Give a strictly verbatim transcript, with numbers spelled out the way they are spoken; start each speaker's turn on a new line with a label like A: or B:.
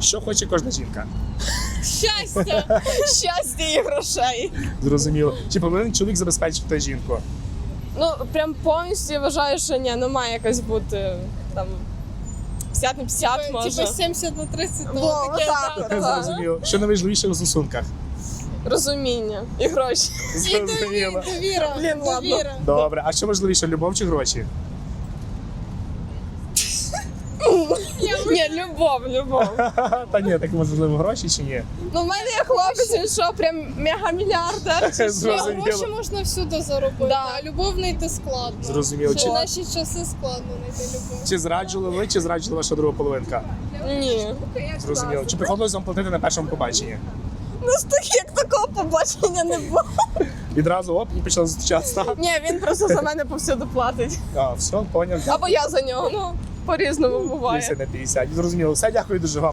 A: Що хоче кожна жінка?
B: Щастя! Щастя і грошей.
A: Зрозуміло. Чи повинен чоловік забезпечити жінку?
B: Ну, прям повністю я вважаю, що ні, ну має якось бути там п'ятдесят на п'ятдесят може.
C: Типа сімдесят на тридцять,
B: Во,
C: ну таке,
B: отак
C: да.
B: от.
A: Зрозуміло. Що найважливіше у стосунках?
B: Розуміння і гроші.
C: І довіра, довіра,
B: Блін, ладно.
C: довіра.
A: Добре, а що важливіше, любов чи гроші?
B: Ні, любов, любов.
A: Та ні, так можливо гроші чи ні?
B: Ну, в мене є хлопець, він що, прям мегамільярдер чи що?
A: Зрозуміло.
C: Гроші можна всюди заробити,
B: Да.
C: а любов знайти складно.
A: Зрозуміло.
C: Ще
A: Чи,
C: в наші часи складно знайти любов.
A: чи зраджували ви, чи зраджувала ваша друга половинка?
B: Ні.
A: Зрозуміло. Чи приходилось вам платити на першому побаченні?
B: Ну, ж так, як такого побачення не було.
A: Відразу оп, і почали зустрічатися.
B: Ні, він просто за мене повсюди платить.
A: А, все, поняв.
B: Або я за нього, ну, по-різному буває.
A: п'ятдесят на п'ятдесят. Зрозуміло. Все, дякую дуже вам.